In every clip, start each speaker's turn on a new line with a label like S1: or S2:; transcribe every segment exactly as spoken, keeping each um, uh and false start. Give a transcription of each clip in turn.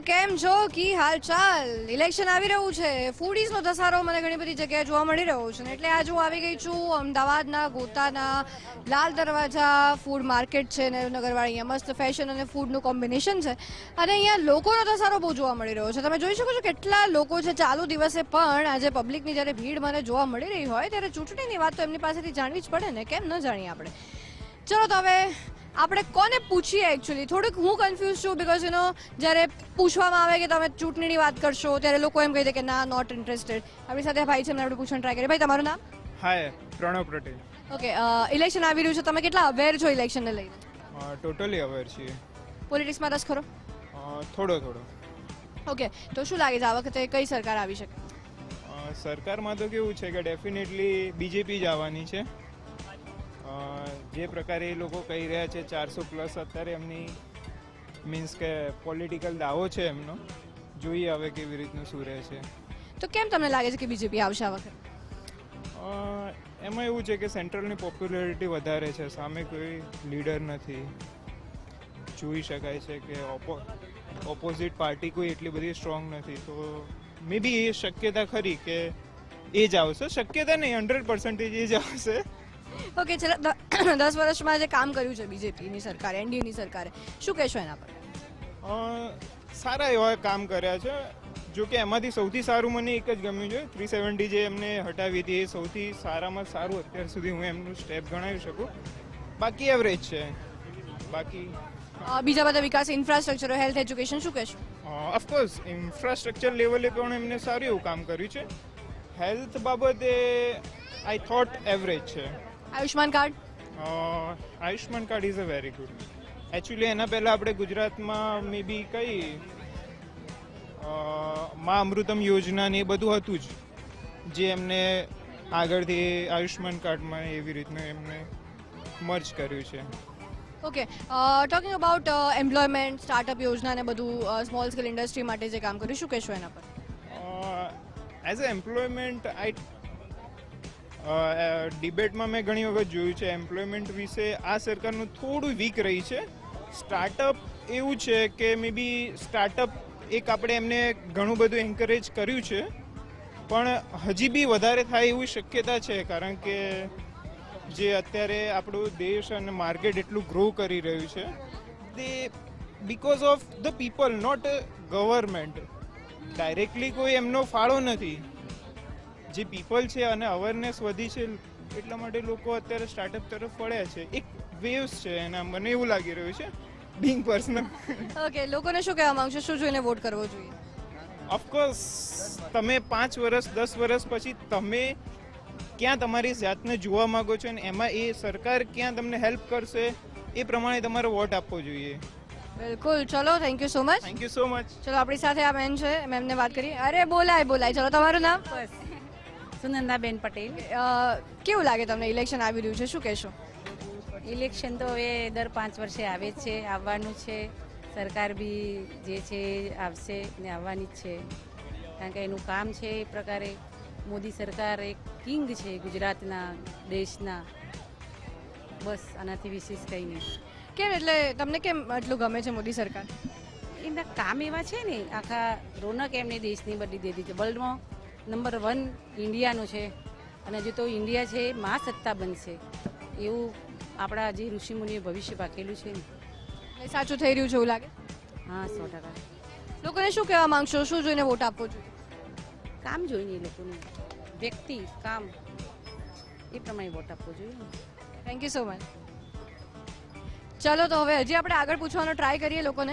S1: કેમ છો કી હાલચાલ? ઇલેક્શન આવી રહ્યું છે, ફૂડીઝનો ધસારો મને ઘણી બધી જગ્યાએ જોવા મળી રહ્યો છે ને એટલે આજે હું આવી ગઈ છું અમદાવાદના ગોતાના લાલ દરવાજા ફૂડ માર્કેટ છે ને નગરવાળી. અહીંયા મસ્ત ફેશન અને ફૂડનું કોમ્બિનેશન છે અને અહીંયા લોકોનો ધસારો બહુ જોવા મળી રહ્યો છે. તમે જોઈ શકો છો કેટલા લોકો છે ચાલુ દિવસે, પણ આજે પબ્લિકની જ્યારે ભીડ મને જોવા મળી રહી હોય ત્યારે ચૂંટણીની વાત તો એમની પાસેથી જાણવી જ પડે ને, કેમ ન જાણીએ આપણે. ચલો તો હવે આપણે કોને પૂછીએ? એકચ્યુઅલી થોડુંક હું કન્ફ્યુઝ છું, બિકોઝ યુ નો જ્યારે પૂછવામાં આવે કે તમે ચૂંટણીની વાત કરશો ત્યારે લોકો એમ કહી દે કે ના, નોટ ઇન્ટરેસ્ટેડ. આપણી સાથે ભાઈ છે, એમને આપણે પૂછવાનું ટ્રાય કરીએ. ભાઈ, તમારું નામ?
S2: Hi, Pranav Patel.
S1: Okay, election આવી રહ્યું છે, તમે કેટલા અવેર છો ઇલેક્શનને લઈને?
S2: ટોટલી અવેર છીએ.
S1: પોલિટિક્સમાં રસ ખરો?
S2: થોડો થોડો.
S1: ઓકે, તો શું લાગે છે આ વખતે કઈ સરકાર આવી શકે?
S2: સરકારમાં તો કેવું છે કે ડેફિનેટલી બીજેપી જ આવવાની છે. જે પ્રકારે એ લોકો કહી રહ્યા છે, ચારસો પ્લસ અત્યારે એમની મીન્સ કે પોલિટિકલ દાવો છે એમનો. જોઈએ હવે કેવી રીતનું શું રહે છે.
S1: તો કેમ તમને લાગે છે કે બીજેપી આવશે આ વખતે?
S2: એમાં એવું છે કે સેન્ટ્રલની પોપ્યુલારિટી વધારે છે, સામે કોઈ લીડર નથી. જોઈ શકાય છે કે ઓપો ઓપોઝિટ પાર્ટી કોઈ એટલી બધી સ્ટ્રોંગ નથી, તો મે બી એ શક્યતા ખરી કે એ જ આવશે. શક્યતા નહીં, હંડ્રેડ પર્સન્ટેજ એ જ આવશે.
S1: ઓકે, ચલો, દસ વર્ષમાં જે કામ કર્યું છે બીજેપીની સરકારે, એનડીએની સરકારે, શું કહેશો એના પર?
S2: સારા એવા કામ કર્યા છે. જો કે એમાંથી સૌથી સારું મને એક જ ગમ્યું છે, થ્રી સેવન્ટી જે એમને હટાવી હતી, એ સૌથી સારામાં સારું અત્યાર સુધી હું એમનું સ્ટેપ ગણાવી શકું. બાકી એવરેજ છે. બાકી
S1: બીજા બધા વિકાસ, ઇન્ફ્રાસ્ટ્રક્ચર, હેલ્થ, એજ્યુકેશન, શું કહેશો?
S2: ઓફકોર્સ ઇન્ફ્રાસ્ટ્રક્ચર લેવલે પણ એમને સારું એવું કામ કર્યું છે. હેલ્થ બાબતે આઈ થોટ એવરેજ છે.
S1: Ayushman card?
S2: Ayushman card is a very good. Actually એના પહેલાં આપણે ગુજરાતમાં મે બી કઈ મા અમૃતમ યોજના ને એ બધું હતું જ, જે એમને આગળથી આયુષ્માન કાર્ડમાં એવી રીતનું એમને મર્જ કર્યું છે.
S1: Okay, talking about employment, startup યોજના ને બધું સ્મોલ સ્કેલ ઇન્ડસ્ટ્રી માટે જે કામ કર્યું, શું કહેશો એના પર?
S2: એઝ અ એમ્પ્લોયમેન્ટ આઈ ડિબેટમાં મેં ઘણી વખત જોયું છે, એમ્પ્લોયમેન્ટ વિશે આ સરકારનું થોડું વીક રહી છે. સ્ટાર્ટઅપ એવું છે કે મે બી સ્ટાર્ટઅપ એક આપણે એમને ઘણું બધું એન્કરેજ કર્યું છે, પણ હજી બી વધારે થાય એવી શક્યતા છે, કારણ કે જે અત્યારે આપણો દેશ અને માર્કેટ એટલું ગ્રો કરી રહ્યું છે, તે because of the people, not government. Directly કોઈ એમનો ફાળો નથી. જે પીપલ છે અને અવેરનેસ વધી છે, એટલા માટે લોકો અત્યારે સ્ટાર્ટઅપ તરફ વળ્યા છે. એક વેવ્સ છે એના, મને એવું લાગી રહ્યું છે, બિંગ પર્સનલ.
S1: ઓકે, લોકોને શું કહેવા માંગશો, શું જોઈને વોટ કરવો જોઈએ?
S2: ઓફકોર્સ તમે પાંચ વર્ષ દસ વર્ષ પછી તમે ક્યાં તમારી જાતને જોવા માંગો છો અને એમાં એ સરકાર ક્યાં તમને હેલ્પ કરશે, એ પ્રમાણે તમારે વોટ આપવો જોઈએ.
S1: બિલકુલ. ચલો, thank you so much.
S2: Thank you so much.
S1: ચલો, આપણી સાથે આ બેન છે, મેમને વાત કરીએ. અરે બોલાય બોલાય. ચલો, તમારું નામ?
S3: બસ, સુનંદાબેન પટેલ.
S1: કેવું લાગે તમને ઇલેક્શન આવી રહ્યું છે, શું કહેશો?
S3: ઇલેક્શન તો હવે દર પાંચ વર્ષે આવે જ છે, આવવાનું છે. સરકાર બી જે છે આવશે ને આવવાની જ છે, કારણ કે એનું કામ છે એ પ્રકારે. મોદી સરકાર એક કિંગ છે ગુજરાતના, દેશના. બસ, આનાથી વિશેષ કંઈ નહીં.
S1: કેમ, એટલે તમને કેમ આટલું ગમે છે મોદી સરકાર?
S3: એના કામ એવા છે ને, આખા રોનક એમને દેશની બદલી દીધી છે. વર્લ્ડમાં નંબર વન ઇન્ડિયાનું છે, અને જો તો ઇન્ડિયા છે મહાસત્તા બનશે એવું આપણા જે ઋષિમુનિએ ભવિષ્ય પાકેલું છે ને,
S1: સાચું થઈ રહ્યું છે એવું લાગે?
S3: હા, સો ટકા.
S1: લોકોને શું કહેવા માંગશો, શું જોઈને વોટ આપવો જોઈએ?
S3: કામ જોઈને એ લોકોનું, વ્યક્તિ કામ, એ પ્રમાણે વોટ આપવો જોઈએ.
S1: Thank you so much. ચાલો, તો હવે હજી આપણે આગળ પૂછવાનો ટ્રાય કરીએ લોકોને.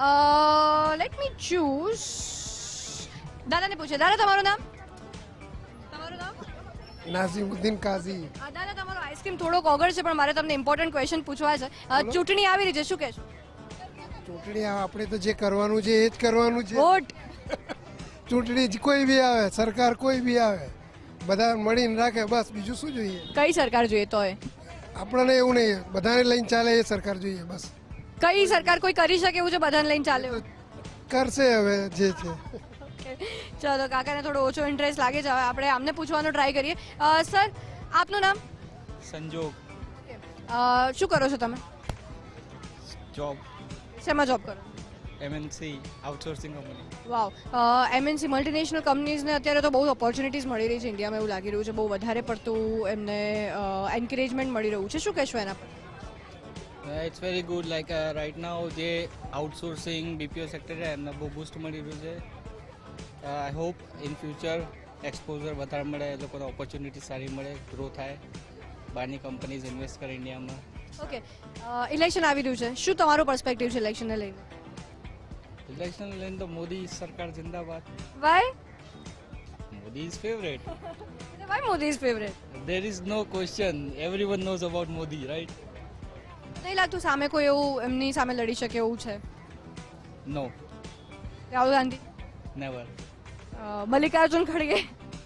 S1: Let me choose. દાદાને પૂછે. દાદા, તમારું નામ? તમારું નામ?
S4: નાઝીમુદ્દીન કાઝી.
S1: દાદા, તમારો આઈસ્ક્રીમ થોડોક ઓગળ છે, પણ મારે તમને ઇમ્પોર્ટન્ટ ક્વેશ્ચન પૂછવા છે. ચૂંટણી આવી રહી છે, શું કહેશો?
S4: ચૂંટણી આપણે તો જે કરવાનું છે એ જ કરવાનું છે.
S1: વોટ.
S4: ચૂંટણી કોઈ બી આવે, સરકાર કોઈ બી આવે, બધા મળીને રાખે, બસ. બીજું શું જોઈએ?
S1: કઈ સરકાર જોઈએ તોય?
S4: આપણને એવું નહીં, બધાને લઈને ચાલે એ સરકાર જોઈએ, બસ.
S1: કઈ સરકાર કોઈ કરી શકે એવું છે બધાને લઈને ચાલે?
S4: કરશે હવે જે છે.
S1: ચલો, કાકાને થોડો ઓછો ઇન્ટરેસ્ટ લાગે છે, હવે આપણે આમને પૂછવાનો ટ્રાય કરીએ. સર, આપનું નામ?
S5: સંજોગ.
S1: શું કરો છો તમે?
S5: જોબ.
S1: શેમાં જોબ કરો?
S5: M N C outsourcing company.
S1: Wow MNC multinational કંપનીઝને અત્યારે તો બહુ ઓપોર્ચ્યુનિટીઝ મળી રહી છે ઇન્ડિયામાં, એવું લાગી રહ્યું છે બહુ વધારે પડતું એમને એન્કરેજમેન્ટ મળી રહ્યું છે. શું કહેશો એના પર?
S5: It's very good. Like right now જે આઉટસોર્સિંગ બીપીઓ સેક્ટર છે એમને બહુ બૂસ્ટ મળી રહ્યું છે. I hope in future exposure વધારે મળે, એ લોકોને ઓપોર્ચ્યુનિટી સારી મળે, ગ્રો થાય, બહારની કંપનીઝ ઇન્વેસ્ટ કરે ઇન્ડિયામાં.
S1: ઓકે, ઇલેક્શન આવી રહ્યું છે, શું તમારો પર્સપેક્ટિવ છે ઇલેક્શનને લઈને?
S5: ઇલેક્શન લઈને તો મોદી સરકાર જિંદાબાદ.
S1: Why
S5: Modi is favourite.
S1: Why Modi is favourite?
S5: There is no question. Everyone knows about Modi, right?
S1: નહીં લાગતું સામે કોઈ એવું એમની સામે લડી શકે એવું છે?
S5: No,
S1: Rahul Gandhi?
S5: Never.
S1: Uh, Mallikarjun ખડગે?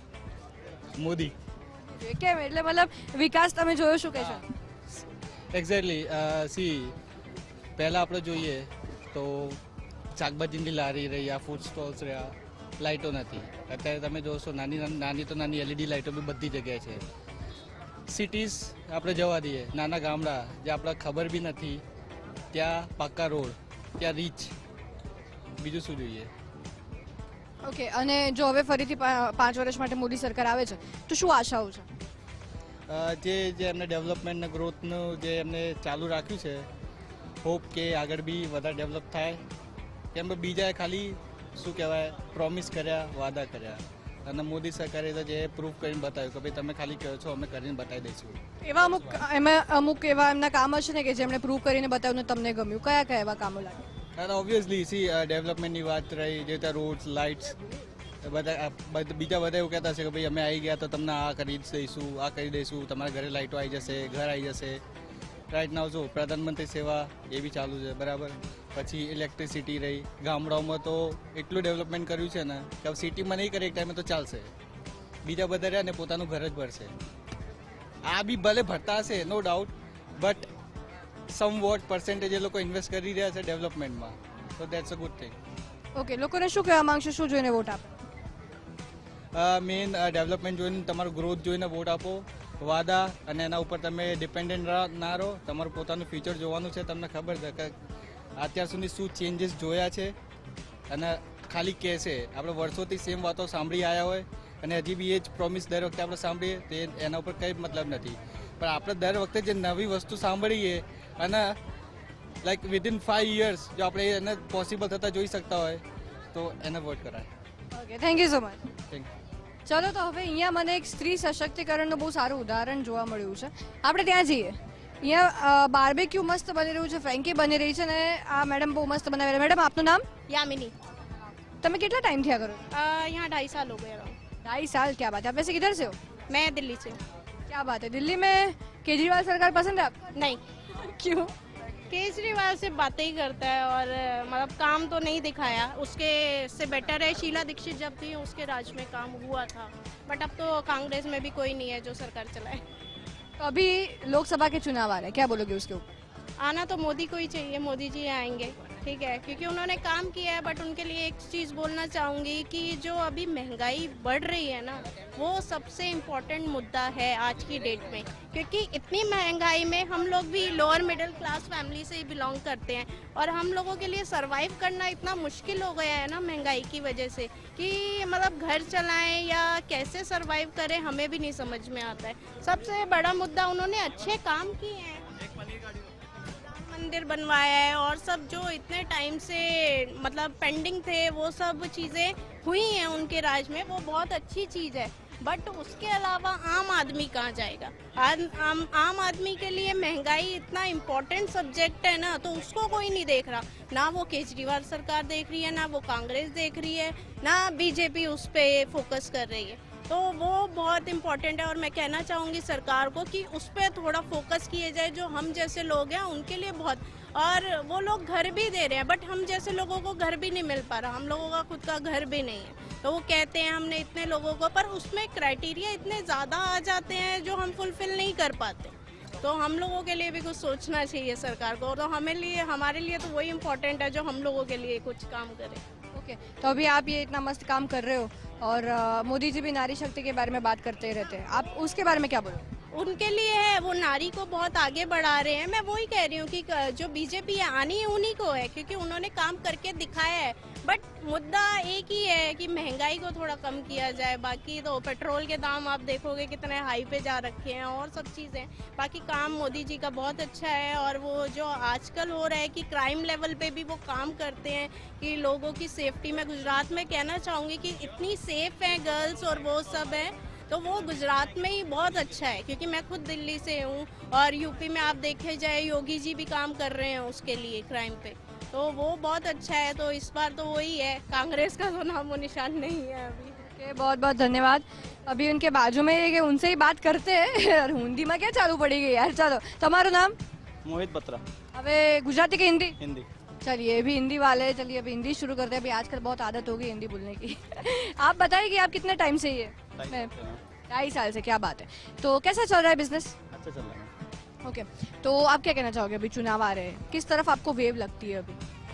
S5: મોદી.
S1: કેમ એટલે મતલબ વિકાસ તમે જોયો, શું કહેશો?
S5: એક્ઝેક્ટલી. સી પહેલાં આપણે જોઈએ તો શાકભાજીની લારી રહી, આ ફૂડ સ્ટોલ્સ રહ્યા, લાઇટો નથી. અત્યારે તમે જોશો નાની નાની તો નાની એલઈડી લાઇટો બી બધી જગ્યાએ છે. સિટીઝ આપણે જવા દઈએ, નાના ગામડા જે આપણે ખબર બી નથી ત્યાં પાક્કા રોડ, ત્યાં રીચ, બીજું શું જોઈએ?
S1: ઓકે, અને જો હવે ફરીથી પા- પાંચ વર્ષ માટે મોદી સરકાર આવે છે તો શું આશાઓ છે?
S5: અ, જે જે એમને ડેવલપમેન્ટ ને ગ્રોથનું જે એમને ચાલુ રાખ્યું છે, હોપ કે આગળ બી વધારે ડેવલપ થાય. કેમ કે બીજાએ ખાલી શું કહેવાય પ્રોમિસ કર્યા, વાદા કર્યા, અને મોદી સરકારે તો જે પ્રૂફ કરીને બતાવ્યું કે ભાઈ તમે ખાલી કહો છો, અમે કરીને બતાવી દઈશું.
S1: એવા અમુક એમાં અમુક એવા એમના કામ હશે ને કે જેમણે પ્રૂવ કરીને બતાવ્યું ને તમને ગમ્યું, કયા કયા એવા કામો લાગે?
S5: અને ઓબ્વિયસલી સી ડેવલપમેન્ટની વાત રહી, જે રીતે રોડ્સ, લાઇટ્સ, બધા આ બધ- બીજા બધા એવું કહેતા છે કે ભાઈ અમે આવી ગયા તો તમને આ કરી જ દઈશું, આ કરી દઈશું, તમારા ઘરે લાઇટો આવી જશે, ઘર આવી જશે. રાઈટ નાવ જો પ્રધાનમંત્રી સેવા એ બી ચાલુ છે, બરાબર. પછી ઇલેક્ટ્રિસિટી રહી, ગામડાઓમાં તો એટલું ડેવલપમેન્ટ કર્યું છે ને કે સિટીમાં નહીં કરે એક ટાઈમે તો ચાલશે, બીજા બધા રહ્યા ને પોતાનું ઘર જ ભરશે. આ બી ભલે ભરતા હશે, no doubt, but some vote percentage એ લોકો ઇન્વેસ્ટ કરી રહ્યા છે ડેવલપમેન્ટમાં, so that's a good thing.
S1: Okay, લોકોને શું કહેવા માંગશો, શું જોઈને વોટ આપે?
S5: મેઇન ડેવલપમેન્ટ જોઈને, તમારું ગ્રોથ જોઈને વોટ આપો. વાદા અને એના ઉપર તમે ડિપેન્ડન્ટ ના રહો. તમારું પોતાનું ફ્યુચર જોવાનું છે. તમને ખબર છે કે અત્યાર સુધી શું ચેન્જીસ જોયા છે, અને ખાલી કહેશે. આપણે વર્ષોથી સેમ વાતો સાંભળી આવ્યા હોય અને હજી બી એ જ પ્રોમિસ દર વખતે આપણે સાંભળીએ, તે એના ઉપર કંઈ મતલબ નથી. પણ આપણે દર વખતે જે નવી વસ્તુ સાંભળીએ અને લાઈક વિધિન ફાઈવ યર્સ જો આપણે એને પોસિબલ થતાં જોઈ શકતા હોય તો એને વોટ કરાય.
S1: Okay, thank you so much.
S5: Thank you.
S1: ચલો, તો હવે અહીંયા મને એક સ્ત્રી સશક્તિકરણનું બહુ સારું ઉદાહરણ જોવા મળ્યું છે. આપણે ત્યાં જઈએ. અહીંયા બાર્બેક્યુ મસ્ત બની રહ્યું છે, ફ્રેન્કી બની રહી છે, ને આ મેડમ બહુ મસ્ત બનાવી રહ્યા. મેડમ, આપનું નામ?
S6: यामिनी।
S1: તમે કેટલા ટાઈમથી આ કરો છો?
S6: अ, यहाँ ढाई साल हो गए अराउंड।
S1: ढाई साल? क्या बात है। आप वैसे किधर से हो?
S6: मैं दिल्ली से।
S1: क्या बात है। दिल्ली में केजरीवाल सरकार पसंद है आपको?
S6: नहीं,
S1: क्यों?
S6: केजरीवाल से बातें ही करता है और अ, मतलब काम तो नहीं दिखाया। उसके से बेटर है शीला दीक्षित जब थी उसके राज में काम हुआ था, बट अब तो कांग्रेस में भी कोई नहीं है जो सरकार चलाए।
S1: तो अभी लोकसभा के चुनाव आ रहे हैं, क्या बोलोगे उसके ऊपर?
S6: आना तो मोदी को ही चाहिए, मोदी जी आएंगे, ठीक है, क्योंकि उन्होंने काम किया है। बट उनके लिए एक चीज़ बोलना चाहूँगी कि जो अभी महंगाई बढ़ रही है ना, वो सबसे इम्पोर्टेंट मुद्दा है आज की डेट में, क्योंकि इतनी महंगाई में हम लोग भी लोअर मिडिल क्लास फैमिली से ही बिलोंग करते हैं और हम लोगों के लिए सरवाइव करना इतना मुश्किल हो गया है ना महंगाई की वजह से, कि मतलब घर चलाएं या कैसे सरवाइव करें हमें भी नहीं समझ में आता है। सबसे बड़ा मुद्दा, उन्होंने अच्छे काम किए हैं, मंदिर बनवाया है और सब जो इतने टाइम से मतलब पेंडिंग थे वो सब चीज़ें हुई हैं उनके राज में, वो बहुत अच्छी चीज़ है। बट उसके अलावा आम आदमी कहाँ जाएगा? आम आम, आम आदमी के लिए महंगाई इतना इम्पोर्टेंट सब्जेक्ट है ना, तो उसको कोई नहीं देख रहा। ना वो केजरीवाल सरकार देख रही है, ना वो कांग्रेस देख रही है, ना बीजेपी उस पर फोकस कर रही है। तो वो बहुत इम्पोर्टेंट है और मैं कहना चाहूँगी सरकार को कि उस पर थोड़ा फोकस किए जाए। जो हम जैसे लोग हैं उनके लिए बहुत, और वो लोग घर भी दे रहे हैं बट हम जैसे लोगों को घर भी नहीं मिल पा रहा, हम लोगों का खुद का घर भी नहीं है। तो वो कहते हैं हमने इतने लोगों को, पर उसमें क्राइटेरिया इतने ज़्यादा आ जाते हैं जो हम फुलफिल नहीं कर पाते। तो हम लोगों के लिए भी कुछ सोचना चाहिए सरकार को, तो हमें लिए हमारे लिए तो वही इम्पोर्टेंट है जो हम लोगों के लिए कुछ काम करे।
S1: ओके, तो अभी आप ये इतना मस्त काम कर रहे हो और अ, मोदी जी भी नारी शक्ति के बारे में बात करते रहते हैं, आप उसके बारे में क्या बोलोगे?
S6: उनके लिए है, वो नारी को बहुत आगे बढ़ा रहे हैं। मैं वही कह रही हूँ कि जो बीजेपी है आनी उन्हीं को है, क्योंकि उन्होंने काम करके दिखाया है। बट मुद्दा एक ही है कि महंगाई को थोड़ा कम किया जाए। बाकी तो पेट्रोल के दाम आप देखोगे कितने हाई पे जा रखे हैं और सब चीज़ें। बाकी काम मोदी जी का बहुत अच्छा है। और वो जो आजकल हो रहा है कि क्राइम लेवल पे भी वो काम करते हैं कि लोगों की सेफ्टी में। गुजरात में कहना चाहूँगी कि इतनी सेफ है गर्ल्स और वो सब है, तो वो गुजरात में ही बहुत अच्छा है। क्योंकि मैं खुद दिल्ली से हूँ और यूपी में आप देखे जाए योगी जी भी काम कर रहे हैं उसके लिए क्राइम पे, तो वो बहुत अच्छा है। तो इस बार तो वही है, कांग्रेस का तो नामो निशान नहीं है अभी।
S1: ओके, बहुत बहुत धन्यवाद। अभी उनके बाजू में है कि उनसे ही बात करते हैं और हिंदी में क्या चालू पड़ी गई यार। चलो, તમારું નામ?
S5: मोहित बत्रा,
S1: હવે ગુજરાતી કે हिंदी?
S5: हिंदी।
S1: चलिए, अभी हिंदी वाले हैं। चलिए अभी हिंदी शुरू करते हैं। अभी आजकल बहुत आदत हो गई हिंदी बोलने की। आप बताइए कि आप कितने टाइम से ये? मैं ढाई साल से। क्या बात है। तो कैसा चल रहा है बिजनेस?
S5: अच्छा चल रहा है।
S1: ओके, तो आप क्या कहना चाहोगे? अभी चुनाव आ रहे हैं, किस तरफ आपको वेव लगती है अभी?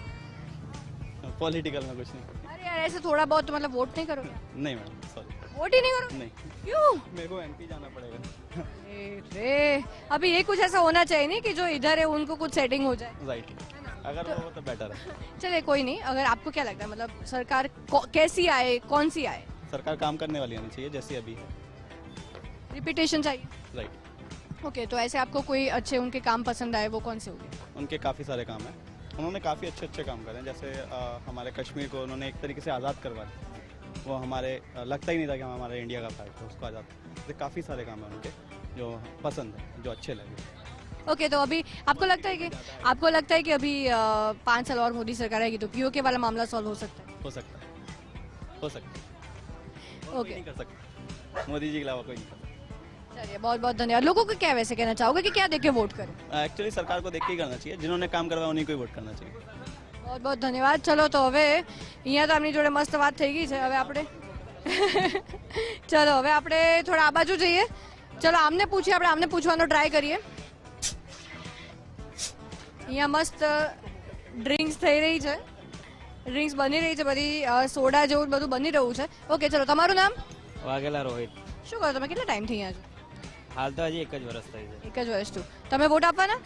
S5: पॉलिटिकल में कुछ नहीं।
S1: अरे यार, ऐसे थोड़ा बहुत तो मतलब वोट नहीं करोगे?
S5: नहीं मैडम, सॉरी,
S1: वोट ही नहीं करोगे?
S5: नहीं।
S1: क्यों?
S5: मेरे को एमपी जाना पड़ेगा।
S1: अरे रे, अभी ये कुछ ऐसा होना चाहिए नहीं कि जो इधर है उनको कुछ सेटिंग हो जाए।
S5: राइट, अगर वो हो तो बेटर है।
S1: चलिए कोई नहीं। अगर आपको क्या लगता है मतलब सरकार को- कैसी आए, कौन सी आए?
S5: सरकार काम करने वाली आनी चाहिए जैसी अभी है।
S1: रिपीटेशन चाहिए।
S5: राइट,
S1: ओके, तो ऐसे आपको कोई अच्छे उनके काम पसंद आए, वो कौन से होंगे?
S5: उनके काफ़ी सारे काम हैं। उन्होंने काफ़ी अच्छे अच्छे काम करे हैं। जैसे अ, हमारे कश्मीर को उन्होंने एक तरीके से आज़ाद करवा दिया। वो हमारे अ, लगता ही नहीं था कि हम हमारे इंडिया का पार्ट है, उसको आज़ाद। तो काफ़ी सारे काम हैं उनके जो पसंद है, जो अच्छे लगे।
S1: ओके, तो अभी आपको लगता है कि आपको लगता है कि अभी अ, पाँच साल और मोदी सरकार आएगी तो पीओके वाला मामला सॉल्व हो सकता है?
S5: हो सकता है, हो सकता है। कोई
S1: ओके,
S5: नहीं कर सकता, मोदी जी के अलावा कोई नहीं कर सकता।
S1: चलिए बहुत बहुत धन्यवाद। लोगों को क्या वैसे कहना चाहोगे कि क्या देख के वोट करें?
S5: एक्चुअली सरकार को देख के ही करना चाहिए, जिन्होंने काम करवाया उन्हीं को ही वोट करना चाहिए।
S1: बहुत बहुत ધન્યવાદ। ચલો, તો હવે અહીંયા તો આપણી જોડે મસ્ત વાત થઈ ગઈ છે। હવે આપણે ચલો હવે આપણે થોડા આ બાજુ જઈએ। ચલો આમને પૂછીએ, આપણે આમને પૂછવાનો ટ્રાય કરીએ। અહીંયા મસ્ત ડ્રિંક્સ થઈ રહી છે, ડ્રિંક્સ બની રહી છે, બધી અ, સોડા જેવું બધું બની રહ્યું છે। ઓકે, ચલો તમારું નામ?
S7: વાઘેલા રોહિત।
S1: શું કરો તમે? કેટલા ટાઈમથી અહીંયા છો?
S7: હાલ તો હજી એક જ વર્ષ થઈ છે।
S1: એક જ વર્ષથી। તમે વોટ આપવાના?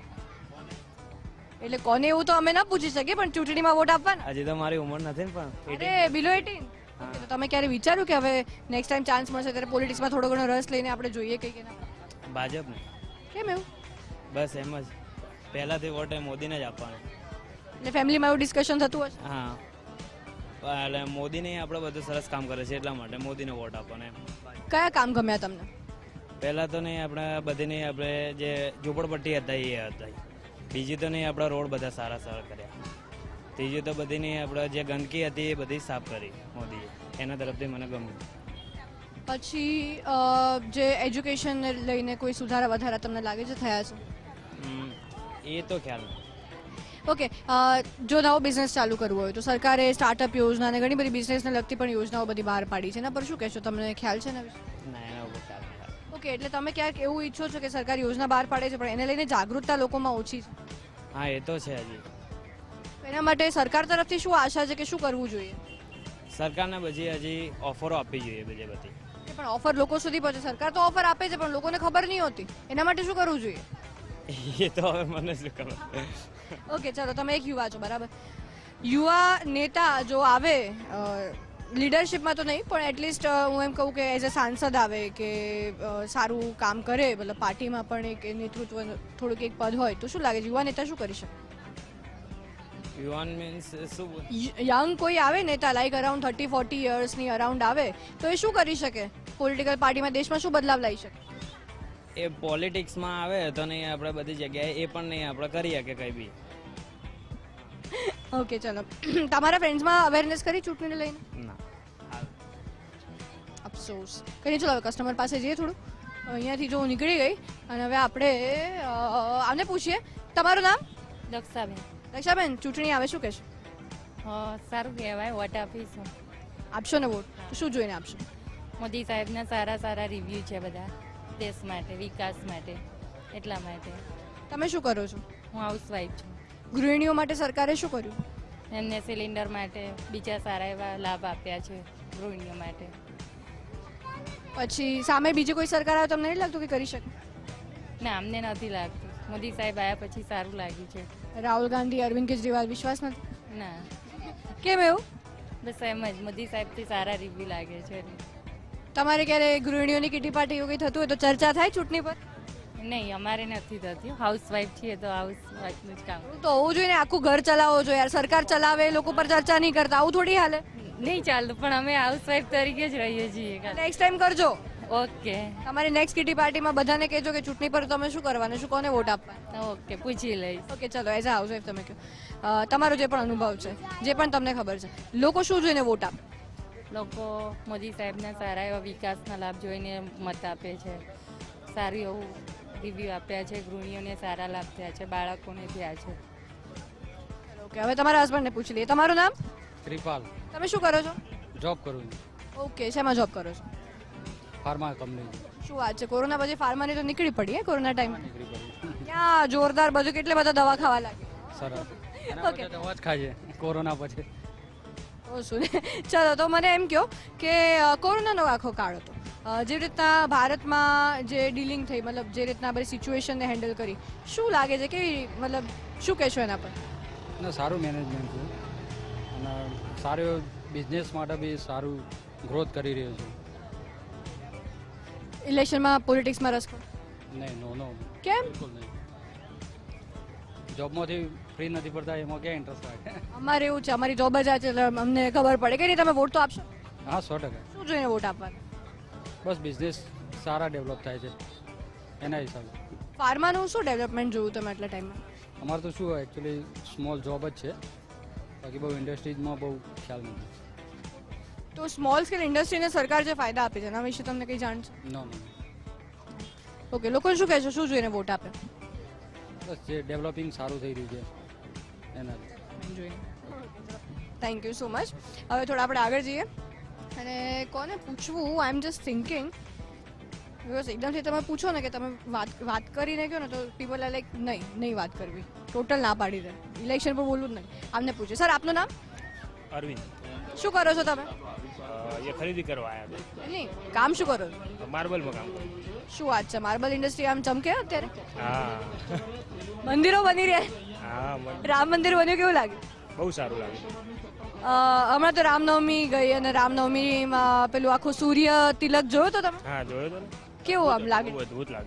S1: એટલે કોને એવું તો અમે ના પૂછી શકીએ, પણ ચૂંટણીમાં વોટ આપવાના?
S7: હજી તો મારી ઉંમર નથી ને, પણ
S1: અરે બિલો એટીન। તો તમે ક્યારે વિચાર્યું કે હવે નેક્સ્ટ ટાઈમ ચાન્સ મળશે ત્યારે પોલિટિક્સમાં થોડો ઘણો રસ લઈને આપણે જોઈએ કંઈક એના?
S7: ભાજપને
S1: કેમ એવું?
S7: બસ એમ જ, પહેલાંથી વોટ એ મોદીને જ આપવાનો।
S1: એટલે ફેમિલીમાં એવું ડિસ્કશન થતું હશે?
S7: હા, એટલે મોદીને આપણે બધું સરસ કામ કરે છે એટલા માટે મોદીને વોટ આપવાનો એમ।
S1: કયા કામ ગમ્યા તમને?
S7: પહેલાં તો નહીં આપણે બધીની આપણે જે ઝૂંપડપટ્ટી હતા એ હતા, બીજી તો નહીં આપણા રોડ બધા સારા સારા કર્યા, ત્રીજી તો બધીની આપણે જે ગંદકી હતી એ બધી સાફ કરી મોદીએ, એના તરફથી મને ગમ્યું।
S1: પછી અ, જે એજ્યુકેશનને લઈને કોઈ સુધારા વધારા તમને લાગે છે થયા છે?
S7: હમ, એ તો ખ્યાલ નથી।
S1: ઓકે, જો નવો બિઝનેસ ચાલુ કરવો હોય તો સરકારે સ્ટાર્ટઅપ યોજના અને ઘણી બધી બિઝનેસને લગતી પણ યોજનાઓ બધી બહાર પાડી છે, એના પર શું કહેશો? તમને ખ્યાલ છે ને?
S7: ના, એના ઉપર ખ્યાલ નથી।
S1: ઓકે, એટલે તમે ક્યાંક એવું ઈચ્છો છો કે સરકાર યોજના બહાર પાડે છે પણ એને લઈને જાગૃતતા લોકોમાં ઓછી છે?
S7: હા, એ તો છે હજી।
S1: એના માટે સરકાર તરફથી શું આશા છે કે શું કરવું જોઈએ?
S7: સરકારને બધી હજી ઓફરો આપવી જોઈએ બીજી બધી।
S1: કે પણ ઓફર લોકો સુધી પહોંચે? સરકાર તો ઓફર આપે છે પણ લોકોને ખબર નહીં હોતી, એના માટે શું કરવું જોઈએ?
S7: એ તો હવે મને શું ખબર।
S1: ઓકે, ચાલો, તમે એક યુવા છો, બરાબર? યુવા નેતા જો આવે લીડરશિપમાં તો નહીં પણ એટલીસ્ટ હું એમ કહું કે એઝ અ સાંસદ આવે કે અ, સારું કામ કરે, મતલબ પાર્ટીમાં પણ એક નેતૃત્વ થોડુંક એક પદ હોય તો શું લાગે છે યુવા નેતા શું કરી શકે?
S7: યુવાન મીન્સ શું બોલ-
S1: યંગ કોઈ આવે નેતા લાઈક અરાઉન્ડ થર્ટી ફોર્ટી યર્સની અરાઉન્ડ આવે તો એ શું કરી શકે? પોલિટિકલ પાર્ટીમાં દેશમાં શું બદલાવ લાવી શકે?
S7: એ પોલિટિક્સમાં આવે તો નહીં આપણે બધી જગ્યાએ એ પણ નહીં આપણે કરી શકીએ કંઈ બી।
S1: ઓકે, ચલો, તમારા ફ્રેન્ડ્સમાં અવેરનેસ કરી ચૂંટણીને લઈને?
S7: ના,
S1: અફસોસ કરી। ચલો હવે કસ્ટમર પાસે જઈએ થોડું। અહીંયાથી જો હું નીકળી ગઈ અને હવે આપણે અ, આને પૂછીએ। તમારું નામ?
S3: દક્ષાબેન।
S1: રક્ષાબેન, ચૂંટણી આવે, શું કહેશો?
S3: સારું કહેવાય, વોટ આપીશું।
S1: આપશો ને વોટ? તો શું જોઈને આપશો?
S3: મોદી સાહેબના સારા સારા રિવ્યૂ છે બધા દેશ માટે, વિકાસ માટે, એટલા માટે।
S1: તમે શું કરો છો?
S3: હું હાઉસવાઈફ છું।
S1: ગૃહિણીઓ માટે સરકારે શું કર્યું?
S3: એમને સિલિન્ડર માટે બીજા સારા એવા લાભ આપ્યા છે ગૃહિણીઓ માટે।
S1: પછી સામે બીજી કોઈ સરકાર આવે તમને નહીં લાગતું કે કરી શકે?
S3: ના, અમને નથી લાગતું. મોદી સાહેબ આવ્યા પછી સારું લાગ્યું છે.
S1: રાહુલ ગાંધી, અરવિંદ કેજરીવાલ વિશ્વાસ નથી?
S3: ના,
S1: કેમ એવું?
S3: બસ એમ જ મોદી સાહેબથી સારા રિવ્યુ લાગે છે.
S1: તમારે ક્યારે ગૃહિણીઓની કિટી પાર્ટી એવું કંઈ થતું હોય તો ચર્ચા થાય ચૂંટણી પર?
S3: નહીં, અમારે નથી થતી. હાઉસવાઈફ છીએ તો હાઉસવાઈફનું જ કામ.
S1: તો હોવું જોઈએ ને, આખું ઘર ચલાવવો જોઈએ યાર. સરકાર ચલાવે, લોકો પર ચર્ચા નહીં કરતા, આવું થોડી હાલે.
S3: નહીં ચાલતું, પણ અમે હાઉસવાઈફ તરીકે જ રહીએ છીએ.
S1: નેક્સ્ટ ટાઈમ કરજો.
S3: ઓકે
S1: તમારી નેક્સ્ટ કિટી પાર્ટીમાં બધાને કહેજો કે ચૂંટણી પર તમે શું કરવાનું, શું કોને વોટ આપવા.
S3: ઓકે, પૂછી લઈશ.
S1: ઓકે, ચલો એઝ અ હાઉસવાઈફ તમે કહો અ, તમારો જે પણ અનુભવ છે, જે પણ તમને ખબર છે, લોકો શું જોઈને વોટ આપે?
S3: લોકો મોદી સાહેબના સારા એવા વિકાસના લાભ જોઈને મત આપે છે. સારું એવું રિવ્યુ આપ્યા છે, ગૃહિણીઓને સારા લાભ થયા છે, બાળકોને થયા છે.
S1: ઓકે, હવે તમારા હસબન્ડને પૂછી લઈએ. તમારું નામ?
S5: ત્રિપાલ
S1: તમે શું કરો છો?
S5: જોબ કરું છું
S1: ઓકે, શેમાં જોબ કરો છો?
S5: ફાર્મા કંપની
S1: શું વાત છે, કોરોના પછી ફાર્માની તો નીકળી પડી હે કોરોના ટાઈમ?
S5: નીકળી પડી
S1: ક્યાં જોરદાર બધું, કેટલે બધા દવા ખાવા લાગે.
S5: સરસ
S1: ઓકે.
S5: દવા જ ખાઈએ કોરોના પછી.
S1: ઓ શું ચલો, તો મને એમ કહો કે અ, કોરોનાનો આખો કાળ હતો, અ, જે રીતના ભારતમાં જે ડીલિંગ થઈ, મતલબ જે રીતના બધી સિચ્યુએશનને હેન્ડલ કરી, શું લાગે છે, કેવી, મતલબ શું કહેશો એના પર?
S5: અને સારું મેનેજમેન્ટ છે અને સારું બિઝનેસ માટે બી સારું ગ્રોથ કરી રહ્યો છે.
S1: ઇલેક્શનમાં પોલિટિક્સમાં રસ ખરો?
S5: નહીં, નો નો
S1: કેમ?
S5: બિલકુલ નહીં. જોબમાંથી ફ્રી નથી પડતા એમાં ક્યાં ઇન્ટરેસ્ટ લાગે.
S1: અમારે એવું છે, અમારી જોબ જ આ છે, એટલે અમને ખબર પડે કે નહીં. તમે વોટ તો આપશો?
S5: હા, સો ટકા.
S1: શું જોઈને વોટ આપવાનો?
S5: બસ બિઝનેસ સારા ડેવલપ થાય છે એના હિસાબે.
S1: ફાર્માનું શું ડેવલપમેન્ટ જોયું તમે આટલા ટાઈમમાં?
S5: અમારે તો શું એકચ્યુઅલી સ્મોલ જોબ જ છે, બાકી બહુ ઇન્ડસ્ટ્રીઝમાં બહુ ખ્યાલ નથી.
S1: તો સ્મોલ સ્કેલ ઇન્ડસ્ટ્રીને સરકાર જે ફાયદા આપે છે એના વિશે તમને કંઈ જાણ છે?
S5: નો નો
S1: ઓકે, લોકોને શું કહેશો, શું જોઈને વોટ આપે?
S5: બસ જે ડેવલપિંગ સારું થઈ રહ્યું છે એના
S1: જોઈને. Thank you so much. હવે થોડા આપણે આગળ જઈએ અને કોને પૂછવું, I am just thinking, because એકદમથી તમે પૂછો ને કે તમે વાત વાત કરીને કહો ને તો પીપલ આર લાઈક નહીં નહીં વાત કરવી, ટોટલ ના પાડી દે, ઇલેક્શન પર બોલવું જ નહીં. આમને પૂછે. સર, આપનું નામ?
S8: અરવિંદ.
S1: શું કરો છો તમે?
S8: એ ખરીદી કરવા આવ્યા હતા.
S1: નહીં, કામ શું કરો છો?
S8: માર્બલમાં કામ કરું.
S1: શું વાત છે, માર્બલ ઇન્ડસ્ટ્રી આમ ચમકે અત્યારે?
S8: હા
S1: મંદિરો બની રહ્યા,
S8: હા મને
S1: રામ મંદિર બન્યું, કેવું લાગે?
S8: બહુ સારું લાગે.
S1: અ, હમણાં તો રામનવમી ગઈ અને રામનવમીમાં પેલું આખું સૂર્ય તિલક જોયો તો તમે?
S8: હા, જોયો તો ને.
S1: કેવું આમ લાગે?
S8: બહુ અદભુત લાગે.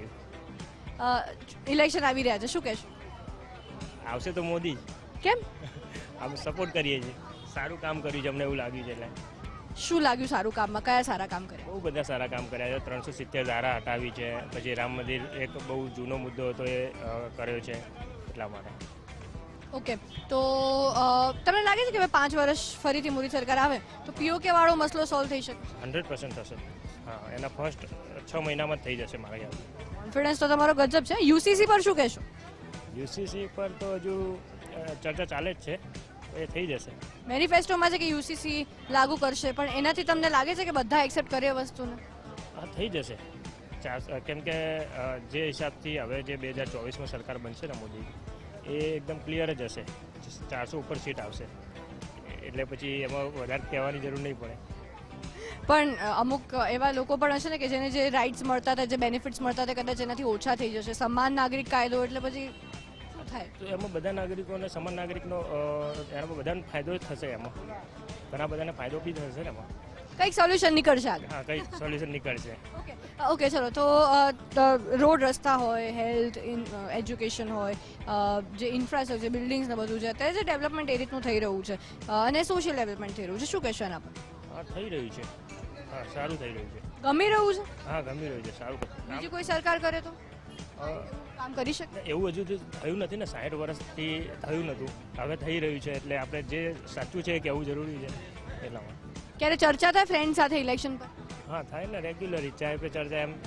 S1: ઇલેક્શન આવી રહ્યા છે, શું કહેશો?
S8: આવશે તો મોદી જ.
S1: કેમ?
S8: અમે સપોર્ટ કરીએ છીએ. સારું કામ કર્યું છે, અમને એવું લાગ્યું છે. એટલે
S1: શું લાગ્યું સારું કામમાં? કયા સારા કામ કર્યા?
S8: બહુ બધા સારા કામ કર્યા છે. ત્રણસો સિત્તેર ધારા હટાવી છે. પછી રામ મંદિર એક બહુ જૂનો મુદ્દો હતો એ અ, કર્યો છે, એટલા માટે.
S1: ઓકે, તો અ, તમને લાગે છે કે હવે પાંચ વર્ષ ફરીથી મોદી સરકાર આવે તો પીઓકે વાળો મસલો સોલ્વ થઈ શકે?
S8: હંડ્રેડ પર્સન્ટ થશે. હા, એના ફર્સ્ટ છ મહિનામાં જ થઈ જશે મારા ખ્યાલથી.
S1: કોન્ફિડન્સ તો તમારો ગજબ છે. યુસીસી પર શું કહેશો?
S8: યુસીસી પર તો હજુ અ, ચર્ચા ચાલે જ છે, એ થઈ જશે.
S1: મેનિફેસ્ટોમાં છે કે યુસીસી લાગુ કરશે, પણ એનાથી તમને લાગે છે કે બધા એક્સેપ્ટ કરે એ વસ્તુને?
S8: હા, થઈ જશે. ચાર કેમ કે અ, જે હિસાબથી હવે જે બે હજાર ચોવીસમાં સરકાર બનશે ને મોદી, એ એકદમ ક્લિયર જ હશે. ચારસો ઉપર સીટ આવશે, એટલે પછી એમાં વધારે કહેવાની જરૂર નહીં પડે.
S1: પણ અ, અમુક એવા લોકો પણ હશે ને કે જેને જે રાઇટ્સ મળતા હતા, જે બેનિફિટ્સ મળતા હતા, કદાચ એનાથી ઓછા થઈ જશે. સમાન નાગરિક કાયદો એટલે પછી શું થાય?
S8: તો એમાં બધા નાગરિકોને સમાન નાગરિકનો અ, એના પર બધાને ફાયદો જ થશે. એમાં ઘણા બધાને ફાયદો બી થશે ને એમાં.
S1: કંઈક સોલ્યુશન નીકળશે આગળ.
S8: હા, કંઈ સોલ્યુશન નીકળશે.
S1: ઓકે ઓકે ચલો, તો અ, ત- રોડ રસ્તા હોય, હેલ્થ, એજ્યુકેશન હોય, અ, જે ઇન્ફ્રાસ્ટ્રક્ચર, બિલ્ડિંગ્સ ને બધું છે, અત્યારે જે ડેવલપમેન્ટ એ રીતનું થઈ રહ્યું છે, અ, અને સોશિયલ ડેવલપમેન્ટ થઈ રહ્યું છે, શું કહેશો એના પર?
S8: હા, થઈ રહ્યું છે. હા, સારું થઈ રહ્યું છે.
S1: ગમી રહ્યું છે?
S8: હા, ગમી રહ્યું છે. સારું.
S1: બીજી કોઈ સરકાર કરે તો
S8: અ,
S1: કામ કરી શકે?
S8: એવું હજુ તો થયું નથી ને. સાઠ વર્ષથી થયું નહોતું, હવે થઈ રહ્યું છે. એટલે આપણે જે સાચું છે એ કહેવું જરૂરી છે, એટલા માટે.
S1: ક્યારે ચર્ચા થાય ફ્રેન્ડ સાથે ઇલેક્શન પર?
S8: હા, થાય ને રેગ્યુલર. ચાય પે ચર્ચા એમ.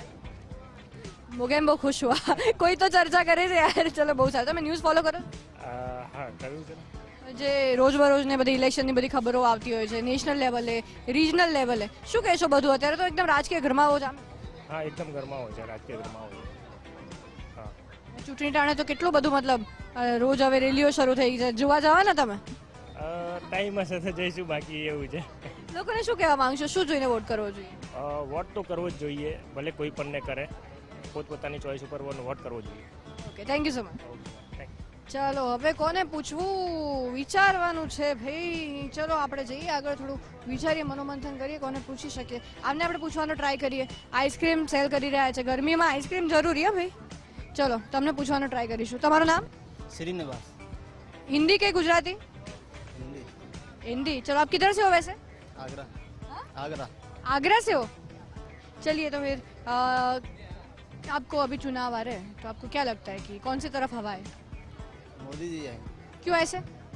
S1: મોગેમ બહુ ખુશ હુઆ. કોઈ તો ચર્ચા કરે છે યાર. ચલો, બહુ સારું. તમે ન્યૂઝ ફોલો કરો?
S8: અ, હા, કર્યું છે ને.
S1: જે રોજબરોજ ને બધી ઇલેક્શનની બધી ખબરો આવતી હોય છે, નેશનલ લેવલે, રિજનલ લેવલે, શું કહેશો બધું? અત્યારે તો એકદમ રાજકીય ગરમાવો છે.
S8: હા, એકદમ ગરમાવો છે, રાજકીય ગરમાવો છે. હા,
S1: ચૂંટણી ટાણે તો કેટલું બધું, મતલબ અ, રોજ હવે રેલીઓ શરૂ થઈ છે. જોવા જવાના તમે?
S8: ટાઈમ હશે તો જઈશું, બાકી એવું છે.
S1: લોકોને શું કહેવા માંગશો, શું જોઈને વોટ કરવો જોઈએ?
S8: અ, વોટ તો કરવો જ જોઈએ, ભલે કોઈ પણ ને કરે, પોતપોતાની ચોઈસ ઉપર વોટ કરવો જોઈએ.
S1: Okay, thank you so much.
S8: Thank
S1: ચાલો હવે કોને પૂછવું વિચારવાનું છે ભાઈ. ચલો આપણે જઈએ આગળ, થોડું વિચારીએ, મનોમંથન કરીએ કોને પૂછી શકીએ. આમને આપણે પૂછવાનો ટ્રાય કરીએ. આઈસ્ક્રીમ સેલ કરી રહ્યા છે, ગરમીમાં આઈસ્ક્રીમ જરૂરી હે ભાઈ. ચલો તમને પૂછવાનો ટ્રાય કરીશું. તમારું નામ?
S5: श्रीनिवास
S1: हिंदी के गुजराती?
S5: हिंदी
S1: हिंदी. चलो आप किधर से हो वैसे?
S5: आगरा आगरा
S1: आगरा से हो? चलिए तो फिर अ, आपको अभी चुनाव आ रहे हैं तो आपको क्या लगता है कि कौन सी तरफ हवा है?
S5: मोदी जी आए
S1: क्यों ऐसे?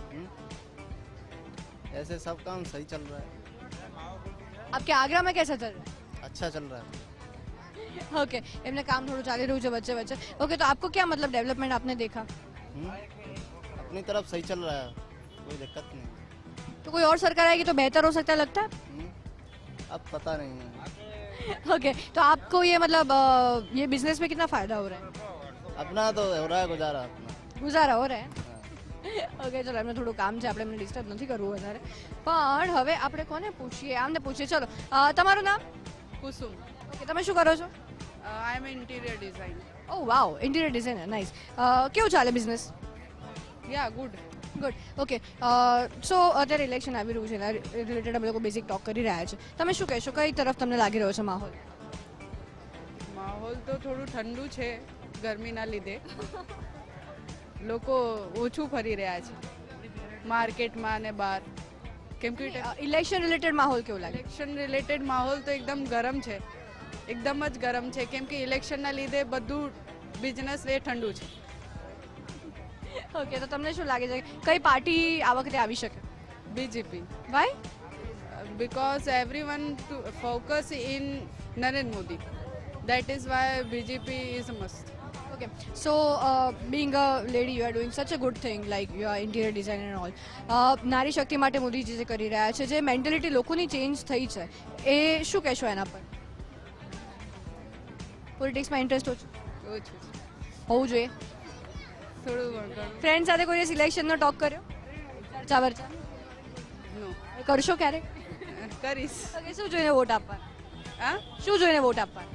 S5: ऐसे सब काम सही चल रहा है,
S1: आपके आगरा में कैसा चल रहा
S5: अच्छा चल रहा है.
S1: है? ओके, એમને કામ થોડું ચાલી રહ્યું છે વચ્ચે વચ્ચે. ઓકે, તો आपको क्या मतलब डेवलपमेंट आपने देखा?
S5: हम्म? अपनी तरफ सही चल रहा है, कोई दिक्कत नहीं.
S1: तो कोई और सरकार आएगी तो बेहतर हो सकता है लगता
S5: हम्म? अब पता नहीं है.
S1: है? ओके, तो आपको ये मतलब अ, ये बिजनेस में कितना फायदा हो रहा है?
S5: अपना तो हो रहा है गुजारा अपना.
S1: ગુજારા હો રહે?
S5: हाँ.
S1: ઓકે, ચલો એમને થોડું કામ છે, આપણે એમને ડિસ્ટર્બ નથી કરવું વધારે. પણ હવે આપણે કોને પૂછીએ? આમને પૂછીએ. ચલો અ, તમારું નામ?
S9: કુસુમ.
S1: ઓકે, તમે શું કરો છો?
S9: I am interior design.
S1: Oh wow, interior designer, nice. કેવું ચાલે business?
S9: Yeah good.
S1: Good. Okay, so અત્યારે ઇલેક્શન આવી રહ્યું છે, એના રિલેટેડ અમે લોકો બેઝિક ટોક કરી રહ્યા છે. તમે શું કહેશો, કઈ તરફ તમને લાગી રહ્યો છે માહોલ?
S9: માહોલ તો થોડું ઠંડુ છે ગરમીના લીધે. લોકો ઓછું ફરી રહ્યા છે માર્કેટમાં અને બહાર, કેમ કે
S1: ઇલેક્શન રિલેટેડ માહોલ કેવો લાગે?
S9: ઇલેક્શન રિલેટેડ માહોલ તો એકદમ ગરમ છે, એકદમ જ ગરમ છે, કેમ કે ઇલેક્શનના લીધે બધું બિઝનેસ એ ઠંડુ છે.
S1: ઓકે, તો તમને શું લાગે છે કઈ પાર્ટી આ વખતે આવી શકે?
S9: BJP.
S1: Why?
S9: because everyone to focus in Narendra Modi. That is why B J P is a must.
S1: Okay, so uh, being a lady, you are doing such a good thing, like you are interior designer and all. Uh, નારી શક્તિ માટે મોદીજી જે કરી રહ્યા છે, જે mentality લોકોની change થઈ છે, એ શું કહેશો એના પર? પોલિટિક્સમાં ઇન્ટરેસ્ટ ઓછું
S9: ઓછું છે.
S1: હોવું જોઈએ.
S9: થોડું ઘણું.
S1: ફ્રેન્ડ સાથે કોઈ સિલેક્શનનો ટોક કર્યો? ચર્ચા વર્ચા
S9: નો
S1: કરશો ક્યારેક?
S9: કરીશ.
S1: ઓકે, શું જોઈને વોટ આપવા?
S9: હા,
S1: શું જોઈને વોટ આપવા?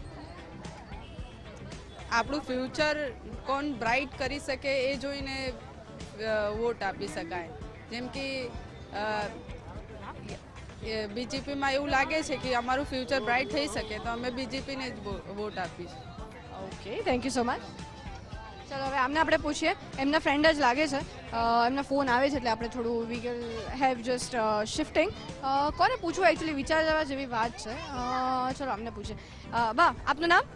S9: આપણું ફ્યુચર કોણ બ્રાઇટ કરી શકે એ જોઈને વોટ આપી શકાય. જેમ કે બીજેપીમાં એવું લાગે છે કે અમારું ફ્યુચર બ્રાઇટ થઈ શકે તો અમે બીજેપીને જ વોટ આપીશું.
S1: Okay, thank you so much. ચાલો હવે આમને આપણે પૂછીએ. એમના ફ્રેન્ડ જ લાગે છે, અ, એમના ફોન આવે છે એટલે આપણે થોડું we will have just shifting. કોને પૂછવું એકચ્યુઅલી વિચાર જવા જેવી વાત છે. અ, ચલો આમને પૂછીએ. અ, બા, આપનું નામ?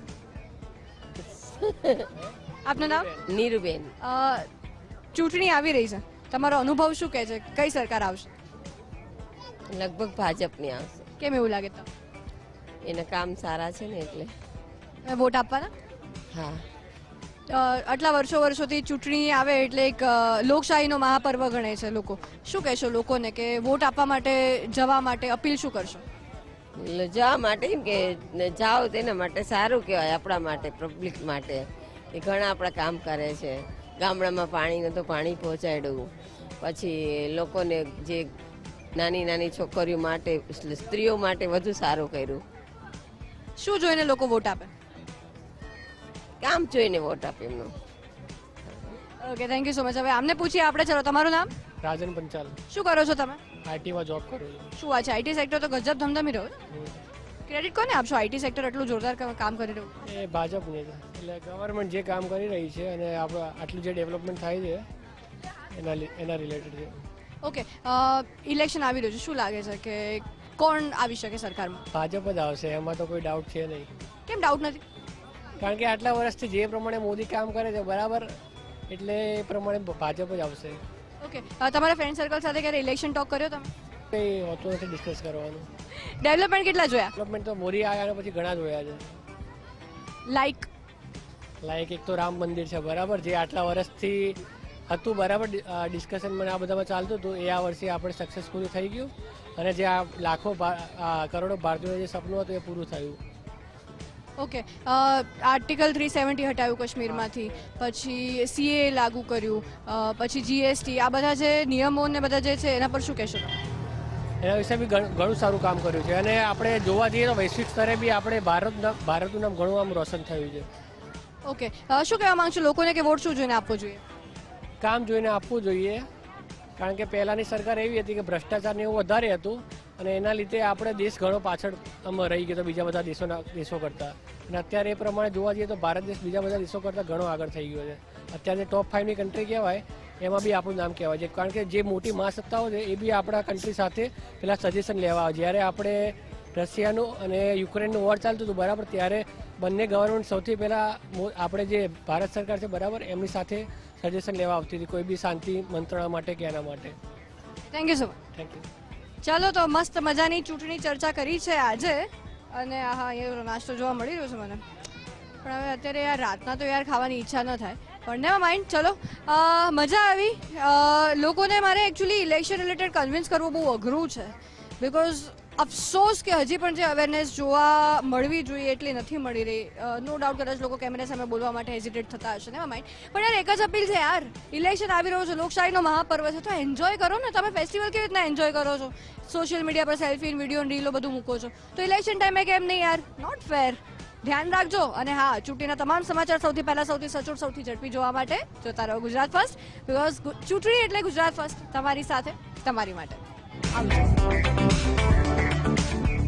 S1: આપનું નામ?
S10: નીરુબેન.
S1: અ, ચૂંટણી આવી રહી છે, તમારો અનુભવ શું કહે છે, કઈ સરકાર આવશે?
S10: લગભગ ભાજપની આવશે.
S1: કેમ એવું લાગે તમને?
S10: એના કામ સારા છે ને એટલે.
S1: તમે વોટ આપવાના?
S10: હા.
S1: અ, આટલા વર્ષો વર્ષોથી ચૂંટણી આવે એટલે એક અ, લોકશાહીનો મહાપર્વ ગણે છે લોકો. શું કહેશો લોકોને કે વોટ આપવા માટે જવા માટે અપીલ શું કરશો?
S10: એટલે જવા માટે એમ કે ને જાઓ તેના માટે સારું કહેવાય, આપણા માટે, પબ્લિક માટે. એ ઘણા આપણા કામ કરે છે. ગામડામાં પાણીનું તો પાણી પહોંચાડ્યું, પછી લોકોને જે નાની નાની છોકરીઓ માટે, સ્ત્રીઓ માટે વધુ સારું કર્યું.
S1: શું જોઈને લોકો વોટ આપે?
S10: કામ જોઈને વોટ આપે એમનું.
S1: Okay, thank you so much. હવે આમને પૂછીએ આપણે. ચલો, તમારું નામ?
S11: રાજન પંચાલ.
S1: શું કરો છો તમે?
S11: આઈટીમાં જોબ કરું છું.
S1: શું વાત છે, આઈટી સેક્ટર તો ગજબ ધમધમી રહ્યો છે. ક્રેડિટ કોને આપશો? આઈટી સેક્ટર એટલું જોરદાર કા- કામ કરી રહ્યું.
S11: એ ભાજપની છે, એટલે ગવર્મેન્ટ જે કામ કરી રહી છે અને આપણે આટલું જે ડેવલપમેન્ટ થાય છે એના લી- એના રિલેટેડ છે.
S1: ઓકે, ઇલેક્શન આવી રહ્યું છે, શું લાગે છે કે કોણ આવી શકે સરકારમાં?
S11: ભાજપ જ આવશે, એમાં તો કોઈ ડાઉટ છે નહીં.
S1: કેમ ડાઉટ નથી?
S11: કારણ કે આટલા વર્ષથી જે પ્રમાણે મોદી કામ કરે છે બરાબર, એટલે એ પ્રમાણે ભાજપ જ આવશે.
S1: ઓકે, તમારા ફ્રેન્ડ સર્કલ સાથે ક્યારે ઇલેક્શન ટોક કર્યો તમે?
S11: કંઈ હોતું નથી ડિસ્કસ કરવાનું.
S1: ડેવલપમેન્ટ કેટલા જોયા?
S11: ડેવલપમેન્ટ તો મોદી આવ્યા પછી ઘણા જોયા છે.
S1: લાઈક
S11: લાઈક એક તો રામ મંદિર છે બરાબર, જે આટલા વર્ષથી હતું બરાબર, ડિસ્કશનમાં આ બધામાં ચાલતું હતું, એ આ વર્ષે આપણે સક્સેસફુલ થઈ ગયું. અને જે આ લાખો ભા- આ કરોડો ભારતીયોનું જે સપનું હતું એ પૂરું થયું.
S1: ઓકે, આર્ટિકલ થ્રી સેવન્ટી હટાવ્યું કાશ્મીરમાંથી, પછી સીએ લાગુ કર્યું, અ, પછી જીએસટી, આ બધા જે નિયમો ને બધા જે છે એના પર શું કહેશો તમે?
S11: એના વિશે બી ઘણ- ઘણું સારું કામ કર્યું છે. અને આપણે જોવા જઈએ તો વૈશ્વિક સ્તરે બી આપણે ભારત ભારતનું નામ ઘણું આમ રોશન થયું છે.
S1: ઓકે શું કહેવા માંગશો લોકોને કે વોટ શું જોઈને આપવો જોઈએ?
S11: કામ જોઈને આપવું જોઈએ, કારણ કે પહેલાંની સરકાર એવી હતી કે ભ્રષ્ટાચાર ને એવું વધારે હતું અને એના લીધે આપણે દેશ ઘણો પાછળ આમ રહી ગયો તો બીજા બધા દેશોના દેશો કરતાં. અને અત્યારે એ પ્રમાણે જોવા જઈએ તો ભારત દેશ બીજા બધા દેશો કરતાં ઘણો આગળ થઈ ગયો છે. અત્યારે ટોપ ફાઇવની કન્ટ્રી કહેવાય એમાં બી આપણું નામ કહેવાય છે, કારણ કે જે મોટી મહાસત્તાઓ છે એ બી આપણા કન્ટ્રી સાથે પેલા સજેશન લેવા આવે. જ્યારે આપણે રશિયાનું અને યુક્રેનનું વોર ચાલતું હતું બરાબર, ત્યારે બંને ગવર્મેન્ટ સૌથી પહેલાં આપણે જે ભારત સરકાર છે બરાબર એમની સાથે સજેશન લેવા આવતી હતી કોઈ બી શાંતિ મંત્રણા માટે કે એના માટે.
S1: Thank you so much.
S11: Thank you.
S1: ચાલો તો મસ્ત મજાની ચૂંટણી ચર્ચા કરી છે આજે, અને હા અહીંયા નાસ્તો જોવા મળી રહ્યો છે મને, પણ હવે અત્યારે યાર રાતના તો યાર ખાવાની ઈચ્છા ન થાય, પણ નેવર માઇન્ડ. ચલો અ, મજા આવી. અ, લોકોને મારે એકચ્યુઅલી ઇલેક્શન રિલેટેડ કન્વિન્સ કરવું બહુ અઘરું છે, બિકોઝ અફસોસ કે હજી પણ જે અવેરનેસ જોવા મળવી જોઈએ એટલી નથી મળી રહી. નો ડાઉટ કદાચ લોકો કેમેરા સામે બોલવા માટે હેઝિટેટ થતા હશે, નેવર માઇન્ડ. પણ યાર એક જ અપીલ છે યાર, ઇલેક્શન આવી રહ્યો છે, લોકશાહીનો મહાપર્વ છે, તો એન્જોય કરો ને. તમે ફેસ્ટિવલ કેવી રીતના એન્જોય કરો છો? સોશિયલ મીડિયા પર સેલ્ફી વિડીયો રીલો બધું મૂકો છો, તો ઇલેક્શન ટાઈમે કેમ નહીં યાર? Not fair. ધ્યાન રાખજો. અને હા, ચૂંટણીના તમામ સમાચાર સૌથી પહેલા સૌથી સચોટ સૌથી ઝડપી જોવા માટે જોતા રહો ગુજરાત ફર્સ્ટ, બિકોઝ ચૂંટણી એટલે ગુજરાત ફર્સ્ટ, તમારી સાથે તમારી માટે. આવજો.